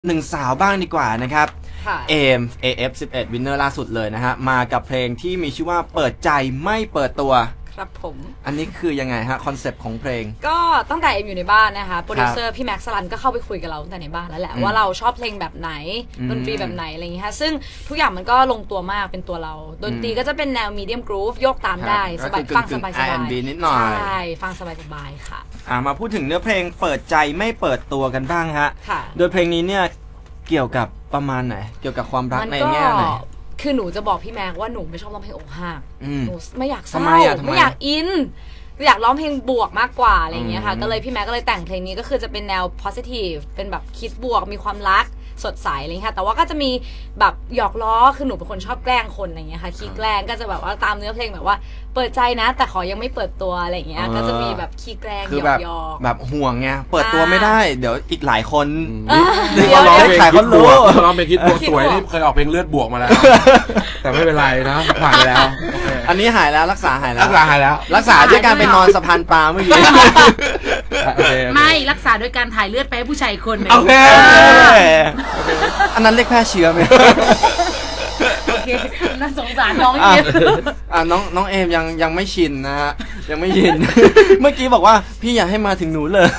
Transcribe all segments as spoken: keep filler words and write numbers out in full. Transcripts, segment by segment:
หนึ่งสาวบ้างดีกว่านะครับเอม เอ เอฟ สิบเอ็ด วินเนอร์ล่าสุดเลยนะฮะมากับเพลงที่มีชื่อว่าเปิดใจไม่เปิดตัวครับผมอันนี้คือยังไงฮะคอนเซปต์ของเพลงก็ตั้งแต่เอ็มอยู่ในบ้านนะคะโปรดิวเซอร์พี่แม็กซ์สลันก็เข้าไปคุยกับเราตั้งแต่ในบ้านแล้วแหละว่าเราชอบเพลงแบบไหนดนตรีแบบไหนอะไรอย่างเงี้ยซึ่งทุกอย่างมันก็ลงตัวมากเป็นตัวเราดนตรีก็จะเป็นแนวมีเดียมกรูฟโยกตามได้สบายฟังสบายสบายใช่ฟังสบายสบายค่ะอ่ามาพูดถึงเนื้อเพลงเปิดใจไม่เปิดตัวกันบ้างฮะโดยเพลงนี้เนี่ยเกี่ยวกับประมาณไหนเกี่ยวกับความรักในแง่ไหนคือหนูจะบอกพี่แม็กว่าหนูไม่ชอบร้องเพลงอกหักหนูไม่อยากเศร้าไม่อยากอินอยากร้องเพลงบวกมากกว่าอะไรอย่างเงี้ยค่ะก็เลยพี่แม็กก็เลยแต่งเพลงนี้ก็คือจะเป็นแนว positive เป็นแบบคิดบวกมีความรักสดใสอะไรอย่างเงี้ยแต่ว่าก็จะมีแบบหยอกล้อคือหนูเป็นคนชอบแกล้งคนอะไรอย่างเงี้ยค่ะขี้แกล้งก็จะแบบว่าตามเนื้อเพลงแบบว่าเปิดใจนะแต่ขอยังไม่เปิดตัวอะไรอย่างเงี้ยก็จะมีแบบขี้แกล้งหยอกยอกแบบห่วงไงเปิดตัวไม่ได้เดี๋ยวอีกหลายคนเดี๋ยวร้องเพลงคิดบวกร้องเพลงคิดบวกสวยนี่เคยออกเพลงเลือดบวกมาแล้วแต่ไม่เป็นไรนะผ่านไปแล้วอันนี้หายแล้วรักษาหายแล้วรักษาหายแล้วรักษาด้วยการไปนอนสะพานปลาเมื่อกี้ไม่รักษาด้วยการถ่ายเลือดไปให้ผู้ชายคนหนึ่งโอเคอันนั้นเรียกแพร่เชื้อไหมโอเคน่าสงสารน้องเอมอ่าน้องน้องเอมยังยังไม่ชินนะฮะยังไม่ชินเมื่อกี้บอกว่าพี่อยากให้มาถึงหนูเลย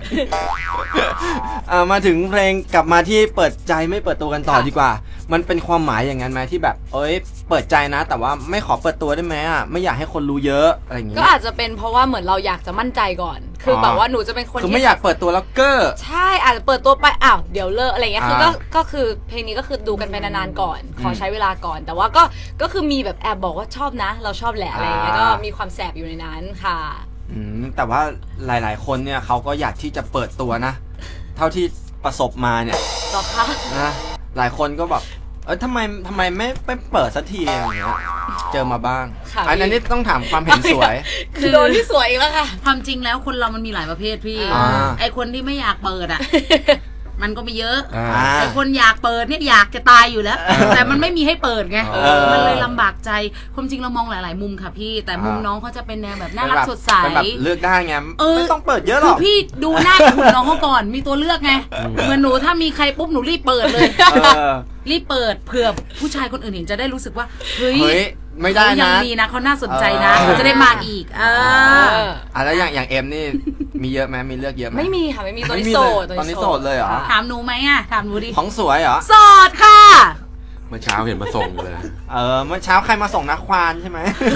อ่ามาถึงเพลงกลับมาที่เปิดใจไม่เปิดตัวกันต่อดีกว่ามันเป็นความหมายอย่างนั้นไหมที่แบบเอ้ยเปิดใจนะแต่ว่าไม่ขอเปิดตัวได้ไหมอ่ะไม่อยากให้คนรู้เยอะอะไรอย่างงี้ก็อาจจะเป็นเพราะว่าเหมือนเราอยากจะมั่นใจก่อนคือแบบว่าหนูจะเป็นคนคือไม่อยากเปิดตัวแล้วเก้อใช่อาจจะเปิดตัวไปอ้าวเดี๋ยวเลิกอะไรเงี้ยคือก็ก็คือเพลงนี้ก็คือดูกันไปนานๆก่อนขอใช้เวลาก่อนแต่ว่าก็ก็คือมีแบบแอบบอกว่าชอบนะเราชอบแหละอะไรเงี้ยก็มีความแสบอยู่ในนั้นค่ะอืมแต่ว่าหลายๆคนเนี่ยเขาก็อยากที่จะเปิดตัวนะเท่าที่ประสบมาเนี่ยหรอคะนะหลายคนก็แบบเออทำไมทำไมไม่ไปเปิดสักทีอย่างเงี้ยเจอมาบ้างอันนี้ต้องถามความเห็นสวยคือโดนที่สวยอีกแล้วค่ะความจริงแล้วคนเรามันมีหลายประเภทพี่ไอคนที่ไม่อยากเปิดอ่ะมันก็มีเยอะไอคนอยากเปิดเนี่ยอยากจะตายอยู่แล้วแต่มันไม่มีให้เปิดไงมันเลยลำบากใจความจริงเรามองหลายๆมุมค่ะพี่แต่มุมน้องเขาจะเป็นแนวแบบน่ารักสดใสเลือกได้ไงไม่ต้องเปิดเยอะหรอกพี่ดูหน้าคุณน้องเขาก่อนมีตัวเลือกไงเหมือนหนูถ้ามีใครปุ๊บหนูรีบเปิดเลยรีบเปิดเผื่อผู้ชายคนอื่นเห็นจะได้รู้สึกว่าเฮ้ยไม่ได้นะยังมีนะเขาน่าสนใจนะเขาจะได้มาอีกเอออ่ะแล้วอย่างอย่างเอ็มนี่มีเยอะไหมมีเลือกเยอะไหมไม่มีค่ะไม่มีตอนนี้โสดตอนนี้โสดเลยเหรอถามหนูไหมอ่ะถามหนูดิของสวยเหรอโสดค่ะเมื่อเช้าเห็นมาส่งเลยเออเมื่อเช้าใครมาส่งนักควานใช่ไหม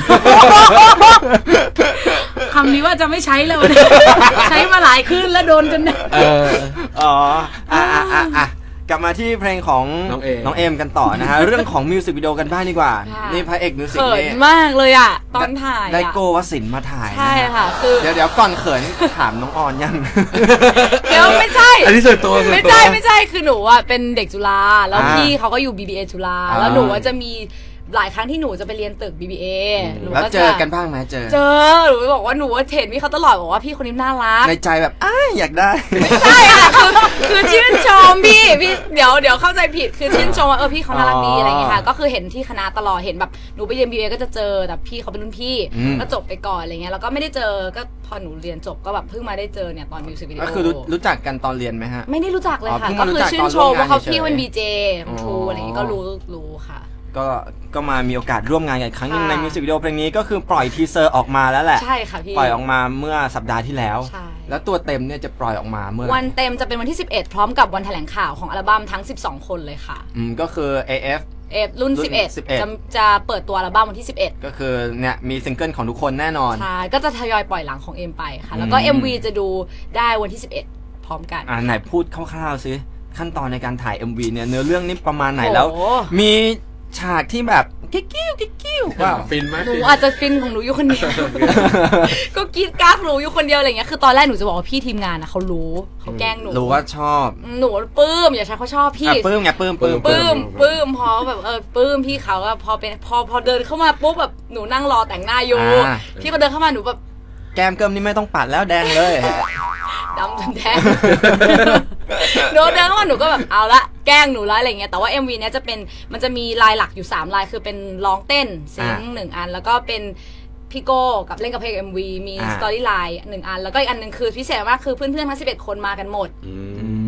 คำนี้ว่าจะไม่ใช้เลยใช้มาหลายคืนแล้วโดนจนเอออ๋ออ่ะอ่ะอ่ะอ่ะกลับมาที่เพลงของน้องเอมกันต่อนะฮะเรื่องของมิวสิกวิดีโอกันบ้างดีกว่านี่พระเอกมิวสิกเขินมากเลยอ่ะตอนถ่ายได้โกวสินมาถ่ายใช่ค่ะคือเดี๋ยวเดี๋ยวก่อนเขินถามน้องออนยังเดี๋ยวไม่ใช่อันนี้ส่วนตัวไม่ใช่ไม่ใช่คือหนูอ่ะเป็นเด็กจุฬาแล้วพี่เขาก็อยู่ บี บี เอ จุฬาแล้วหนูจะมีหลายครั้งที่หนูจะไปเรียนตึก บี บี เอแล้วเจอกันบ้างไหมเจอเจอหนูบอกว่าหนูว่าเห็นพี่เขาตลอดบอกว่าพี่คนนี้น่ารักในใจแบบอ้าอยากได้ไม่ใช่ค่ะคือคือชื่นชมพี่พี่เดี๋ยวเดี๋ยวเข้าใจผิดคือชื่นชมว่าเออพี่เขาน่ารักดีอะไรอย่างเงี้ยค่ะก็คือเห็นที่คณะตลอดเห็นแบบหนูไปเรียน บี บี เอ ก็จะเจอแต่พี่เขาเป็นรุ่นพี่ก็จบไปก่อนอะไรเงี้ยแล้วก็ไม่ได้เจอก็พอหนูเรียนจบก็แบบเพิ่งมาได้เจอเนี่ยตอนมิวสิกวิดีโอก็คือรู้จักกันตอนเรียนไหมฮะไม่ได้รู้จักเลยค่ะก็คือชื่นชมว่าเขาพี่เป็นบีเจครูอะไรอย่างเงี้ยก็รู้รู้ค่ะก็ก็มามีโอกาสร่วมงานกันครั้งนึงในมิวสิกวิดีโอเพลงนี้ก็คือปล่อยทีเซอร์ออกมาแล้วแหละใช่ค่ะพี่ปล่อยออกมาเมื่อสัปดาห์ที่แล้วแล้วตัวเต็มเนี่ยจะปล่อยออกมาเมื่อวันเต็มจะเป็นวันที่สิบเอ็ดพร้อมกับวันแถลงข่าวของอัลบั้มทั้งสิบสองคนเลยค่ะอืมก็คือ เอ เอฟเอฟรุ่นสิบเอ็ดจะจะเปิดตัวอัลบั้มวันที่สิบเอ็ดก็คือเนี่ยมีซิงเกิลของทุกคนแน่นอนใช่ก็จะทยอยปล่อยหลังของเอ็มไปค่ะแล้วก็ เอ็ม วี จะดูได้วันที่สิบเอ็ดพร้อมกันอ่าไหนพูดคร่าวๆซิขั้นตอนในการถ่าย เอ็ม วี เนี่ยเนื้อเรื่องนี้ประมาณไหนแล้วมีฉากที่แบบกิ๊กกิ้วกิ๊กกิ้วว่าฟินไหมหนูอาจจะฟินของหนูอยู่คนเดียวก็กีดกั๊กหนูอยู่คนเดียวอะไรเงี้ยคือตอนแรกหนูจะบอกว่าพี่ทีมงานนะเขารู้เขาแกล้งหนูรู้ว่าชอบหนูปลื้มอย่าใช้เขาชอบพี่ปลื้มไงปลื้มปลื้มปลื้มปลื้มพอแบบเออปลื้มพี่เขาอะพอเป็นพอพอเดินเข้ามาปุ๊บแบบหนูนั่งรอแต่งหน้าอยู่พี่เขาเดินเข้ามาหนูแบบแก้มเกิมนี่ไม่ต้องปัดแล้วแดงเลยดำจนแดงหนูเดินเข้ามาหนูก็แบบเอาละแกล้งหนูแล้วอะไรเงี้ยแต่ว่า เอ็ม วี เนี้ยจะเป็นมันจะมีลายหลักอยู่สามลายคือเป็นร้องเต้นซิงหนึ่งอันแล้วก็เป็นพี่โก้กับเล่นกับเพลง เอ็ม วี มีสตอรี่ไลน์หนึ่งอันแล้วก็อีกอันหนึ่งคือพิเศษมากคือเพื่อนๆทั้งสิบเอ็ดคนมากันหมด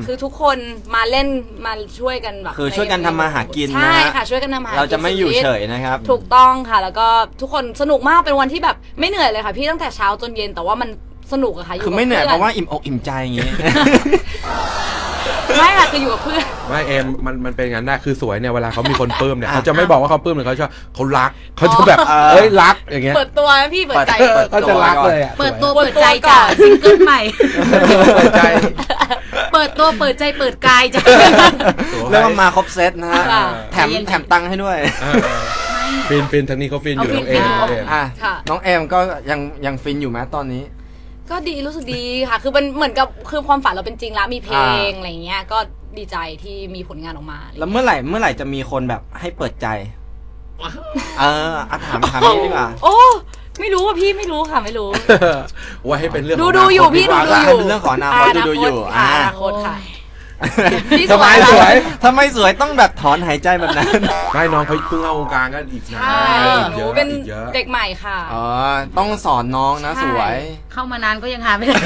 คือทุกคนมาเล่นมาช่วยกันแบบคือช่วยกันทำมาหากินนะใช่ค่ะช่วยกันทำมาหากินเราจะไม่อยู่เฉยนะครับถูกต้องค่ะแล้วก็ทุกคนสนุกมากเป็นวันที่แบบไม่เหนื่อยเลยค่ะพี่ตั้งแต่เช้าจนเย็นแต่ว่ามันสนุกอะค่ะอยู่คือไม่เหนื่อยเพราะว่าอิ่มอกอิ่มใจอย่างงี้ไม่ค่ะคืออยู่กับเพื่อนไม่เอ็มมันมันเป็นงั้นได้คือสวยเนี่ยเวลาเขามีคนปลื้มเนี่ยเขาจะไม่บอกว่าเขาปลื้มหรือเขาชอบเขารักเขาจะแบบเอ้ยรักอย่างเงี้ยเปิดตัวนะพี่เปิดใจเขาจะรักเลยอ่ะเปิดตัวเปิดใจจ้ะซิงเกิลใหม่เปิดใจเปิดตัวเปิดใจเปิดกายจ้ะเรียกว่ามาครบเซตนะฮะค่ะแถมแถมตังค์ให้ด้วยฟินฟินทางนี้เขาฟินอยู่เอาน้องเอ็มฟินน้องเอ็มอ่ะค่ะน้องเอมก็ยังยังฟินอยู่ไหมตอนนี้ก็ดีรู้สึกดีค่ะ คือมันเหมือนกับคือความฝันเราเป็นจริงแล้วมีเพลงอ่าอะไรเงี้ยก็ดีใจที่มีผลงานออกมาแล้วเมื่อไหร่เมื่อไหร่จะมีคนแบบให้เปิดใจ เอออะถามถามนี่ดีกว่าโอ้ไม่รู้อ่ะพี่ไม่รู้ค่ะไม่รู้ว่าให้เป็นเรื่องดูของดูอยู่นาคตพี่ดีกดูว่าดูอยู่เป็นเรื่องของอนาคตดูดูอยู่ค่ะอ่าอนาคตค่ะ พี่ทำไมสวยสวยทำไมสวยต้องแบบถอนหายใจแบบนั้นไม่น้องเขาเพิ่งเข้าวงการก็อีกนานใช่อีกหเยนูอะเป็นอีกเยอะเด็กใหม่ค่ะอ๋อ ต้องสอนน้องนะใช่สวยเข้ามานานก็ยังหาไม่ได้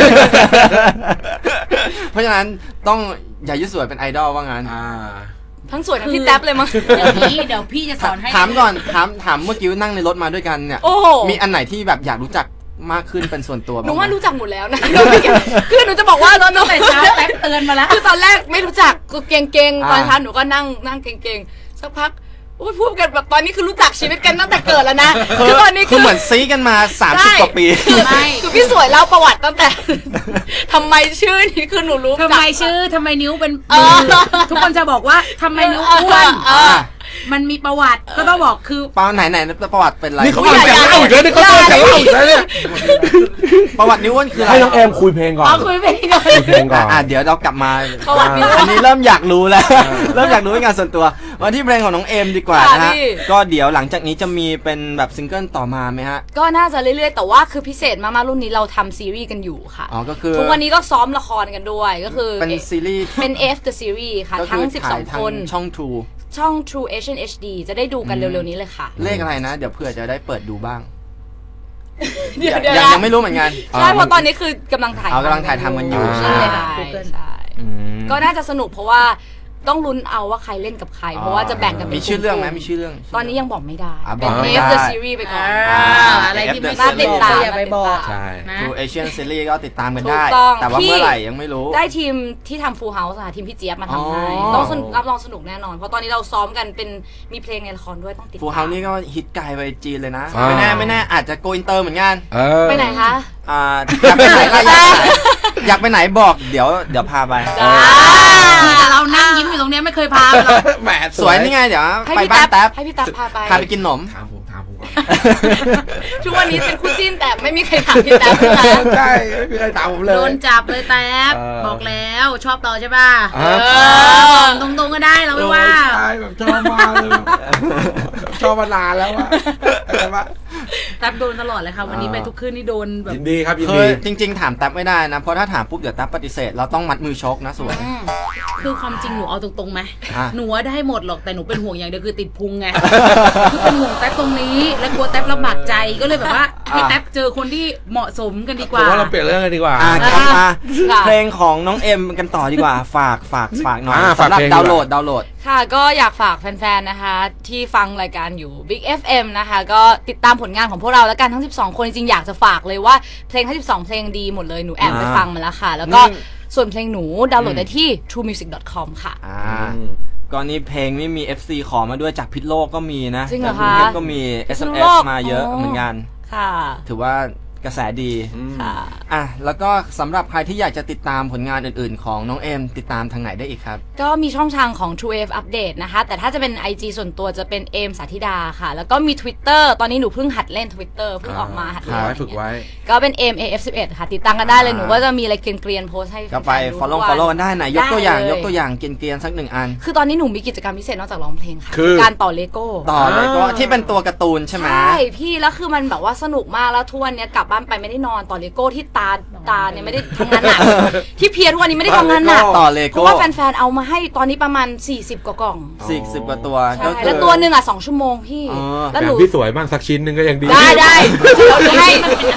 เพราะฉะนั้นต้องอย่ายึดสวยเป็นไอดอลว่างั้นอ่าทั้งสวยทั้งพี่แท็บเลยมั้งเดี๋ยวพี่เดี๋ยวพี่จะสอนให้ถามก่อนถามถามเมื่อกี้นั่งในรถมาด้วยกันเนี่ยโอ้โหมีอันไหนที่แบบอยากรู้จักมากขึ้นเป็นส่วนตัวหบ้างนูไหมว่ารู้จักหมดแล้วนะ คือหนูจะบอกว่าตอนแต่เช้าแท็บเตือนมาแล้วคือตอนแรกไม่รู้จักก็เก่งๆตอนอ่าเช้าหนูก็นั่งนั่งเก่งๆสักพักโอ้ยพูดกันแบบตอนนี้คือรู้จักชีวิตกันตั้งแต่เกิดแล้วนะ คือตอนนี้คือเหมือนซีกันมาสามสิบกว่าปีคือไม่คือพี่สวยเล่าประวัติตั้งแต่ ทำไมชื่อนี้คือหนูรู้ทำไมชื่อทำไมนิ้วเป็นเออทุกคนจะบอกว่าทำไมนิ้วอ้วนเออมันมีประวัติก็ต้องบอกคือเปล่าไหนไหนประวัติเป็นไรนี่เขาอุ๊ยกำลังจะเล่าอีกแล้วนี่เขากำลังจะเล่าอีกแล้วเนี่ยประวัตินิ้วอ้วนคืออะไรให้น้องเอ็มคุยเพลงก่อนเอาคุยไปก่อนคุยเพลงก่อนอ่ะเดี๋ยวเรากลับมาประวัตินิ้วอ้วนอันนี้เริ่มอยากรู้แล้ว เริ่มอยากรู้เป็นงานส่วนตัวมาที่เพลงของน้องเอมดีกว่าค่ะนะฮะพี่ก็เดี๋ยวหลังจากนี้จะมีเป็นแบบซิงเกิลต่อมาไหมฮะก็น่าจะเรื่อยๆ แต่ว่าคือพิเศษมากๆรุ่นนี้เราทำซีรีส์กันอยู่ค่ะอ๋อก็คือทุกวันนี้ก็ซ้อมละครกันด้วยก็คือเป็นซีรีส์เป็น F the series ค่ะก็ทั้คืงอถ่ายสิบสองทาคนช่อง True ช่อง True Asian เอช ดี จะได้ดูกันเร็วๆนี้เลยค่ะเลขอะไรนะ เดี๋ยวเผื่อจะได้เปิดดูบ้างเดี๋ยวยังเดี๋ยวยังไม่รู้เหมือนกันใช่เพราะตอนนี้คือกำลังถ่ายอ๋อกำลังถ่ายทำกันอยู่ใช่ใช่ไหมใช่อืมก็น่าจะสนุกเพราะว่าต้องลุ้นเอาว่าใครเล่นกับใคร เพราะว่าจะแบ่งกันเป็นมีชื่อเรื่องไหมกลุ่มีชื่อเรื่องตอนนี้ยังบอกไม่ได้อ่ะเป็นบอกไม่ F ได้ the series ไปก่อนอ่าอะไรที่ไม่น่าติดตามอย่าไปบอกใช่นะ True Asian Series ก็ติดตามกันถูได้กต้องแต่ว่าพี่เมื่อไหร่ยังไม่รู้ได้ทีมที่ทำ Full House ค่ะทีมพี่เจี๊ยบมาทำให้อ๋อต้องสนุกรับรองสนุกแน่นอน เพราะตอนนี้เราซ้อมกันเป็นมีเพลงในละครด้วยต้องติดฟูตามเฮานี่ก็ฮิตไกลไปจีนเลยนะอ่าไม่แน่ไม่แน่อาจจะโกอินเตอร์เหมือนกันเออไปไหนคะอ่าอยากไปไหนล่ะอยากไปไหนอยากไปไหนบอกเดี๋ยวเดี๋ยวพาไปจ้าที่เรานั่งยิ้มอยู่ตรงเนี้ยไม่เคยพาไปหรอกแหมสวยนี่ไงเดี๋ยวให้ไปพี่บ้านแท็แท็บบ ให้พี่แท็บพาไปพาไปกินขนมถามผมถามผมก่อนทุกวันนี้เป็นคู่จิ้นแต่ไม่มีใครถามพี่แท็บนะคะใช่ไม่มีใครถามผมเลยโดนจับเลยแท็บเออบอกแล้วชอบเราใช่ป่ะเอเอออตรงๆก็ได้เราไม่ว่าใช่แบบชอบมากเลยแบบชอบมานานแล้วอะแต่ว่าแท็บโดนตลอดเลยค่ะวันนี้ไปทุกคืนนี่โดนแบบยินดีครับยินคือดีจริง ๆ ถามแท็บไม่ได้นะ เพราะถ้าถามปุ๊บเดี๋ยวแท็บปฏิเสธเราต้องมัดมือชกนะสวยคือความจริงหนูเอาตรงๆไหมอ่ะหนูว่าได้หมดหรอกแต่หนูเป็นห่วงอย่างเดียวคือติดพุงไงคือเป็นห่วงแท็บตรงนี้และกลัวแท็บลำบากใจก็เลยแบบว่าให้แท็บเจอคนที่เหมาะสมกันดีกผมว่าว่าเราเปลี่ยนเรื่องกันดีกว่าอ่ะกลับมาค่ะเพลงของน้องเอ็มกันต่อดีกว่า ฝากฝากฝากหน่อยอ่าฝากสำหรับเพลงดาวน์โหลดดาวน์โหลดค่ะก็อยากฝากแฟนๆ นะคะ ที่ฟังรายการอยู่ Big เอฟ เอ็ม นะคะ ก็ติดตามผลงานของพวกเราแล้วกันทั้งสิบสองคนจริงๆอยากจะฝากเลยว่าเพลงทั้งสิบสองเพลงดีหมดเลยหนูแอบไปอ่าฟังมาแล้วค่ะ แล้วก็นี่ส่วนเพลงหนูดาวน์โหลดได้ที่ ทรูมิวสิก ดอท คอม ค่ะอ่าก็นี่เพลงไม่มี เอฟ ซี ขอมาด้วยจากพิษโลกก็มีนะจริงเหรอจากกรุงเทพคะก็มี เอสพิษเอ็มณุเอโลสกมาเยอะอ๋อเหมือนกันค่ะถือว่ากระแสดีค่ะอ่ะแล้วก็สำหรับใครที่อยากจะติดตามผลงานอื่นๆ ของน้องเอ็มติดตามทางไหนได้อีกครับก็มีช่องทางของ True เอฟ Update นะคะ แต่ถ้าจะเป็น ไอ จี ส่วนตัวจะเป็นเอมสาธิดาค่ะ แล้วก็มี Twitter ตอนนี้หนูเพิ่งหัดเล่น Twitter เพิ่งออกมาหัดฝึกเล่นไว้ฝึกไว้ก็เป็น เอม เอ เอฟ สิบเอ็ด ค่ะ ติดตามกันได้เลย หนูก็จะมีอะไรเกรียนๆโพสต์ให้ก็ไปแฟนๆดู follow ทุกวัน follow กันได้ไหนยกตัวอย่างได้เลยยกตัวอย่างเกรียนๆสักหนึ่งอันคือตอนนี้หนูมีกิจกรรมพิเศษนอกจากร้องเพลงค่ะคือการต่อเลโก้ต่อเลยก็อ่าที่เป็นตัวการ์ตูนใช่ไหมใช่พี่แล้วคือมันแบบว่าสนุกมากแล้วทุกวันเนี้ยกลับบ้านไปไม่ได้นอนต่อเลโก้ที่ตาตาเนี่ยไม่ได้ทำงานหนัก ที่เพียทุกวันนี้ไม่ได้ทำงานหนักต่อเลเพโก้ราะว่าแฟนๆเอามาให้ตอนนี้ประมาณสี่สิบกว่ากล่องสี่สิบกว่าตัวใช่ก็คือแล้วตัวหนึ่งอ่ะสองชั่วโมงพี่อ๋อแล้วแบหนูบพี่สวยบ้างสักชิ้นหนึงก็ยังดีได้ได้เราจะให้มันเป็นอันเล็กๆใช่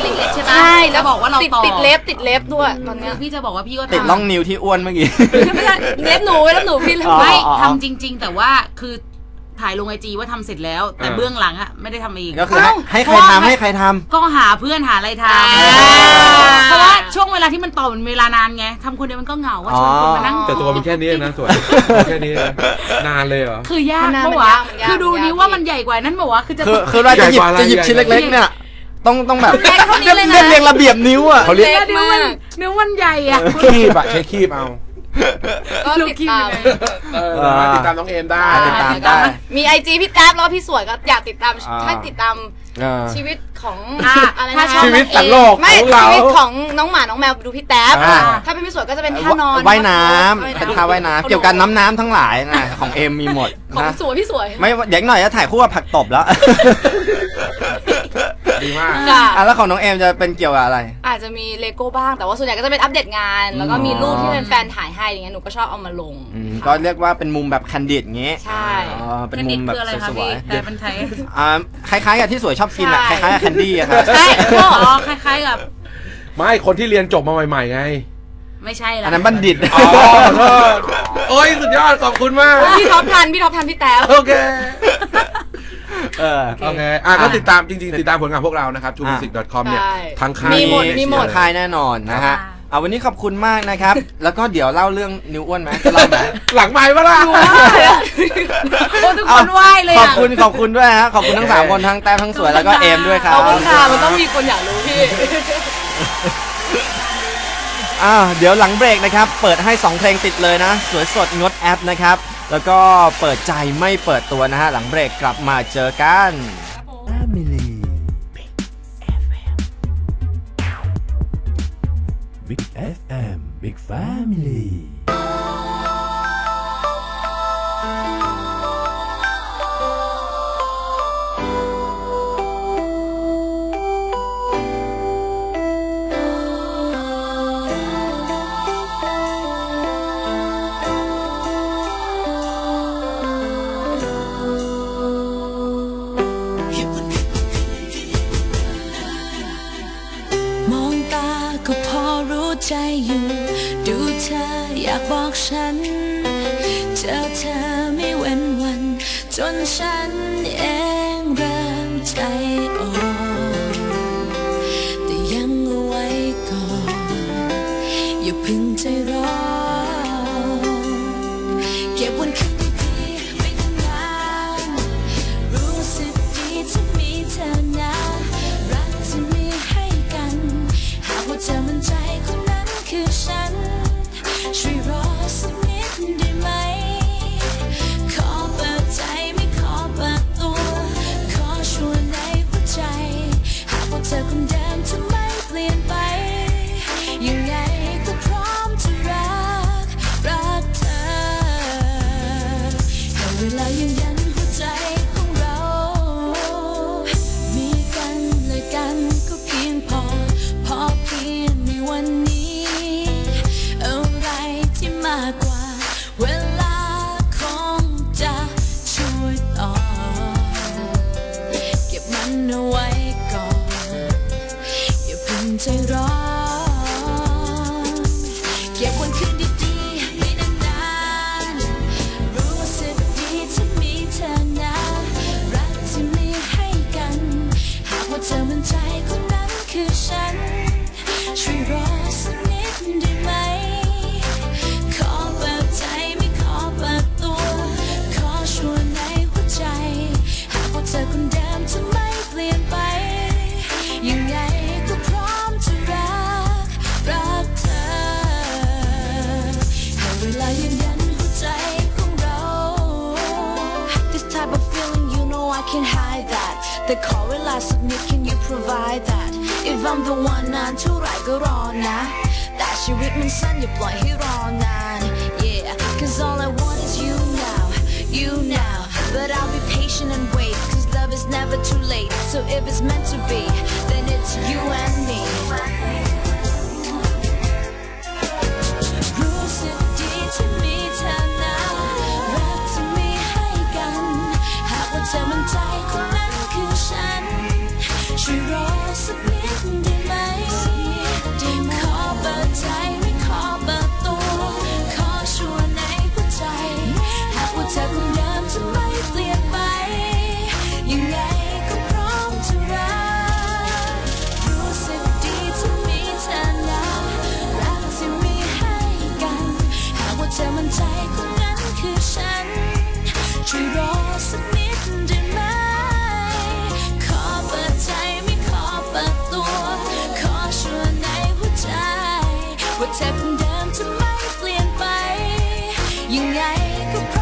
ไหมใช่แล้จะวบอกว่าเราติดต่อติดเล็บติดเล็บด้วยตอนเนี้ยพี่จะบอกว่าพี่ก็ติดทำร่องนิ้วที่อ้วนเมื่อกี้ไม่ใช่เล็บหนูเล็บหนูพี่เล็บอ๋อไม่ไม่ทำจริง ๆ แต่ว่าคือถ่ายลงไอจีว่าทำเสร็จแล้ว แต่เบื้องหลังอะไม่ได้ทำเองก็คือให้ให้ใครทำให้ใครทำก็หาเพื่อนหาอะไรทอ่าำเพราะว่าช่วงเวลาที่มันต่อมันเวลานานไงทำคนเดียวมันก็เหงาว่าชวนคนมานั่งแต่ตัวมันแค่นี้นะส่วนแค่นี้นะนานเลยเหรอคือยากมันนานเพราะมันว่ายากมันยากคือดูมันยากนี้ว่ามันใหญ่กว่านั้นบอกว่าคือจะคือคือเราจะหยิบจะหยิบชิ้นเล็กๆเนี่ยต้องต้องแบบใหญ่เท่านี้เลยนะเรียบเรียงระเบียบนิ้วอ่ะเขาเรียกเล็กนิ้วมามันกนิ้วมันใหญ่อะคีบอะใช้คีบเอาก็ติดตามเออติดตามน้องเอมได้ติดตามได้มีไอจีพี่แท็บแล้วพี่สวยก็อยากติดตามอ่าถ้าติดตามอ่าชีวิตของอ่าอะไรถ้านะชอบชีวิตสัตว์โลกไม่ของเราชีวิตของน้องหมาน้องแมวดูพี่แท็บอ่าถ้าเป็นพี่สวยก็จะเป็นท่านอนว่ายน้ำเป็นท่าว่ายน้ำเกี่ยวกับน้ำน้ำทั้งหลายนะของเอ็มมีหมดของนะสวยพี่สวยไม่เดี๋ยวหน่อยจะถ่ายคู่กับผักตบแล้วดีมากค่ะอ่ะแล้วของน้องเอ็มจะเป็นเกี่ยวกับอะไรอาจจะมีเลโก้บ้างแต่ว่าส่วนใหญ่ก็จะเป็นอัปเดตงาน แล้วก็มีรูปที่เป็นแฟนถ่ายให้อย่างเงี้ยหนูก็ชอบเอามาลงอืมก็เรียกว่าเป็นมุมแบบคันดิดอย่างงี้ใช่อ๋อเป็นเป็นมุเด็กมแบบคืออะไรคะสวพี่ยแต่เป็นไทยๆอ่าคล้ายๆกับที่สวยชอบกินอ่ะคใช่ล้ายๆกับแคนดี้อะครับใช่ก็อ๋อคล้ายๆกับไม่คนที่เรียนจบมาใหม่ๆไงไม่ใช่ละอันนั้นบัณฑิตอ๋อโทษโอ้ยสุดยอดขอบคุณมากพี่ท็อปทันพี่ท็อปทันพี่แท็บโอเคเออโอเค อ่ะก็ติดตามจริงๆ ติดตามผลงานพวกเรานะครับ ทู มิวสิก ดอท คอม เนี่ยใช่ทั้งค่ายมีหมดเอเชียมีหมดค่ายแน่นอนนะฮะเอาวันนี้ขอบคุณมากนะครับ แล้วก็เดี๋ยวเล่าเรื่องนิ้วอ้วนไหมจะเล่าไหมหลังไม้ปะล่ะโอ้ทุกคนไหว้เลยขออ่ะบคุณขอบคุณด้วยฮะขอบคุณทั้งสามคนทั้งแต้มทั้งสวยแล้วก็เอมด้วยครัขบอบคุณค่ะมันต้องมีคนอยากรู้พี่อ้าวเดี๋ยวหลังเบรกนะครับ เปิดให้สองเพลงติดเลยนะ สวยสดงดแอปนะครับ แล้วก็เปิดใจไม่เปิดตัวนะฮะ หลังเบรกกลับมาเจอกัน Family Big เอฟ เอ็ม Big Family มองตาก็พอรู้ใจอยู่ ดูเธออยากบอกฉัน เจอเธอไม่เว้นวัน จนฉันเองเริ่มใจอ่อนแต่ยังเอาไว้ก่อนอย่าเพึ่งใจร้อนเก็บวันคืนดีๆไว้นานๆรู้สึกดีที่มีเธอนะรักที่มีให้กันหากว่าเธอมั่นใจคนนั้นคือฉันช่วยรอสักนิดได้ไหมขอเปิดใจไม่ขอเปิดตัวขอชวนในหัวใจหากว่าเธอคนเดิมจะไม่เปลี่ยนไปยังไงก็พร้อมจะรักรักเธอให้เวลายืนยันหัวใจของเรามีกันและกันก็เพียงพอพอเพียงในวันนี้อะไรที่มากกว่าเวลาคงจะช่วยต่อเก็บมันเอาไว้ก่อนอย่าเพิ่งใจร้อนเก็บวันคืนดีๆไม่นานๆรู้สึกดีที่มีเธอนะรักที่มีให้กันหากว่าเธอมั่นใจคนนั้นคือฉันช่วยรอสักนิดได้ไหมขอเปิดใจไม่ขอเปิดตัวขอชวนในหัวใจหากว่าเธอคนเดิมจะไม่เปลี่ยนไปยังไงก็พร้อมจะรักรักเธอให้เวลายืนยันหัวใจของเรา This type of feeling you know I can't hide that แต่ขอเวลาสักนิด can you provide that If I'm the one นานเท่าไหร่ก็รอนะแต่ชีวิตมันสั้นอย่าปล่อยให้รอนาน Yeah cause all I want is you now you now but I'll be patient and wait cause love is never too late so if it's meant to be then it's you and me รู้สึกดีที่มีเธอนะรักที่มีให้กันหากว่าเธอมั่นใจคนนั้นคือฉันช่วยรอสักนิดได้ไหมก็พ